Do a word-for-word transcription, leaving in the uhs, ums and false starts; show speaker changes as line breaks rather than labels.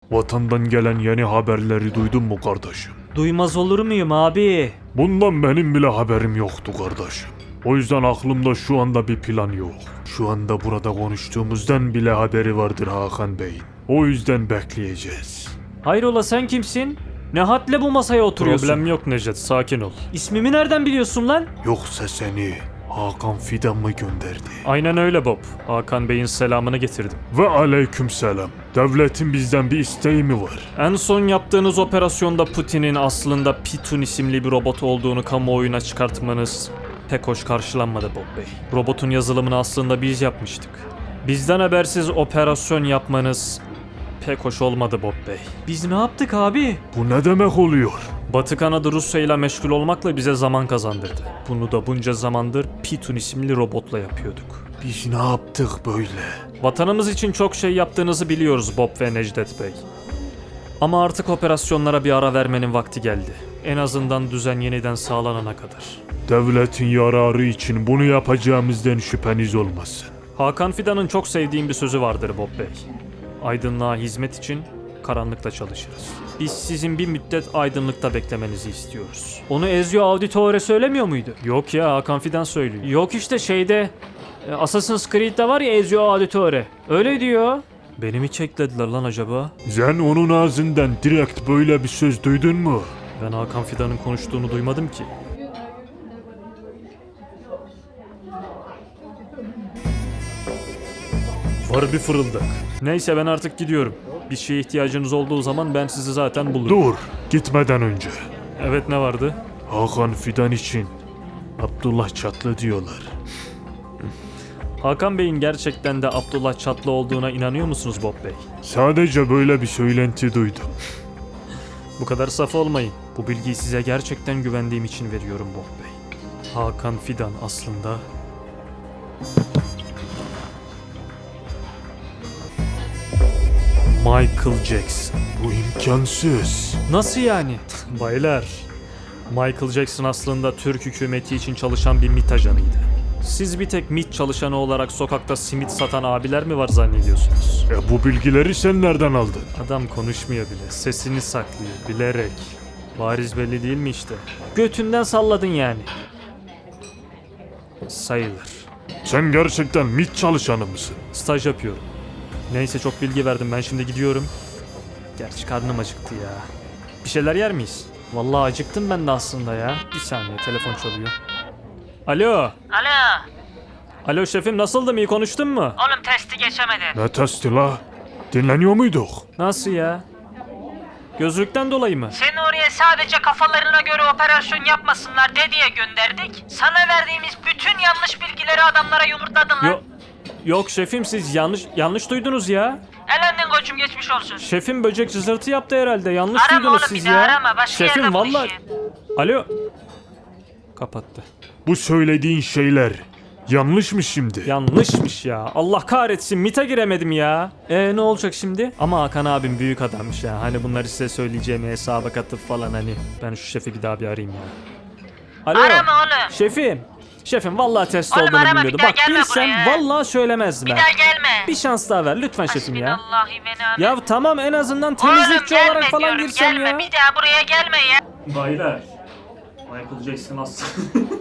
Vatandan gelen yeni haberleri duydun mu kardeşim?
Duymaz olur muyum abi?
Bundan benim bile haberim yoktu kardeşim. O yüzden aklımda şu anda bir plan yok. Şu anda burada konuştuğumuzdan bile haberi vardır Hakan Bey'in. O yüzden bekleyeceğiz.
Hayrola sen kimsin? Ne hadle bu masaya oturuyorsun?
Problem yok Necdet, sakin ol.
İsmimi nereden biliyorsun lan?
Yoksa seni Hakan Fidan mı gönderdi?
Aynen öyle Bob. Hakan Bey'in selamını getirdim.
Ve aleykümselam. Devletin bizden bir isteği mi var?
En son yaptığınız operasyonda Putin'in aslında Pitun isimli bir robot olduğunu kamuoyuna çıkartmanız pek hoş karşılanmadı Bob Bey. Robotun yazılımını aslında biz yapmıştık. Bizden habersiz operasyon yapmanız pek hoş olmadı Bob Bey.
Biz ne yaptık abi?
Bu ne demek oluyor?
Batı kanadı Rusya ile meşgul olmakla bize zaman kazandırdı. Bunu da bunca zamandır Pitun isimli robotla yapıyorduk.
Biz ne yaptık böyle?
Vatanımız için çok şey yaptığınızı biliyoruz Bob ve Necdet Bey. Ama artık operasyonlara bir ara vermenin vakti geldi. En azından düzen yeniden sağlanana kadar.
Devletin yararı için bunu yapacağımızdan şüpheniz olmasın.
Hakan Fidan'ın çok sevdiğim bir sözü vardır Bob Bey. Aydınlığa hizmet için karanlıkta çalışırız. Biz sizin bir müddet aydınlıkta beklemenizi istiyoruz.
Onu Ezio Auditore söylemiyor muydu?
Yok ya, Hakan Fidan söylüyor.
Yok işte şeyde e, Assassin's Creed'de var ya Ezio Auditore. Öyle diyor.
Beni mi çeklediler lan acaba?
Sen onun ağzından direkt böyle bir söz duydun mu?
Ben Hakan Fidan'ın konuştuğunu duymadım ki. Var bir fırıldak. Neyse ben artık gidiyorum. Bir şeye ihtiyacınız olduğu zaman ben sizi zaten bulurum.
Dur, gitmeden önce.
Evet, ne vardı?
Hakan Fidan için Abdullah Çatlı diyorlar.
Hakan Bey'in gerçekten de Abdullah Çatlı olduğuna inanıyor musunuz Bob Bey?
Sadece böyle bir söylenti duydum.
Bu kadar saf olmayın. Bu bilgiyi size gerçekten güvendiğim için veriyorum Bob Bey. Hakan Fidan aslında... Michael Jackson.
Bu imkansız.
Nasıl yani?
Baylar, Michael Jackson aslında Türk hükümeti için çalışan bir MİT ajanıydı. Siz bir tek MİT çalışanı olarak sokakta simit satan abiler mi var zannediyorsunuz?
E bu bilgileri sen nereden aldın?
Adam konuşmuyor bile, sesini saklıyor, bilerek. Bariz belli değil mi işte?
Götünden salladın yani.
Sayılır.
Sen gerçekten MİT çalışanı mısın?
Staj yapıyorum. Neyse, çok bilgi verdim, ben şimdi gidiyorum. Gerçi karnım acıktı ya. Bir şeyler yer miyiz?
Vallahi acıktım ben de aslında ya.
Bir saniye, telefon çalıyor. Alo.
Alo.
Alo şefim, nasıldım, iyi konuştun mu?
Oğlum testi geçemedin.
Ne testi la? Dinleniyor muyduk?
Nasıl ya? Gözlükten dolayı mı?
Seni oraya sadece kafalarına göre operasyon yapmasınlar de diye gönderdik. Sana verdiğimiz bütün yanlış bilgileri adamlara yumurtladın lan.
Yok. Yok şefim, siz yanlış yanlış duydunuz ya.
Elendin koçum, geçmiş olsun.
Şefim böcek cızırtı yaptı herhalde. Yanlış
Arama
duydunuz
oğlum,
siz
bir daha
ya.
arama. Başka
Şefim
yerde
vallahi.
buluşayım.
Alo. Kapattı.
Bu söylediğin şeyler yanlış mı şimdi?
Yanlışmış ya. Allah kahretsin, MİT'e giremedim ya.
E ne olacak şimdi?
Ama Hakan abim büyük adammış ya. Hani bunları size söyleyeceğimi hesaba katıp falan hani. Ben şu şefi bir daha bir arayayım ya. Alo.
Arama oğlum.
Şefim. Şefim vallahi test
Oğlum
olduğunu
arama,
bilmiyordum.
bir daha
Bak
gelme
bilsem
buraya.
vallahi söylemezdim
Bir
ben.
daha gelme.
Bir şans daha ver lütfen şefim ya.
Hasbinallahi ve ni'mel
Ya tamam, en azından
Oğlum
temizlikçi
gelme
olarak falan
diyorum,
girsem
gelme.
ya.
Bir daha buraya gelme ya.
Baylar. Michael Jackson aslında.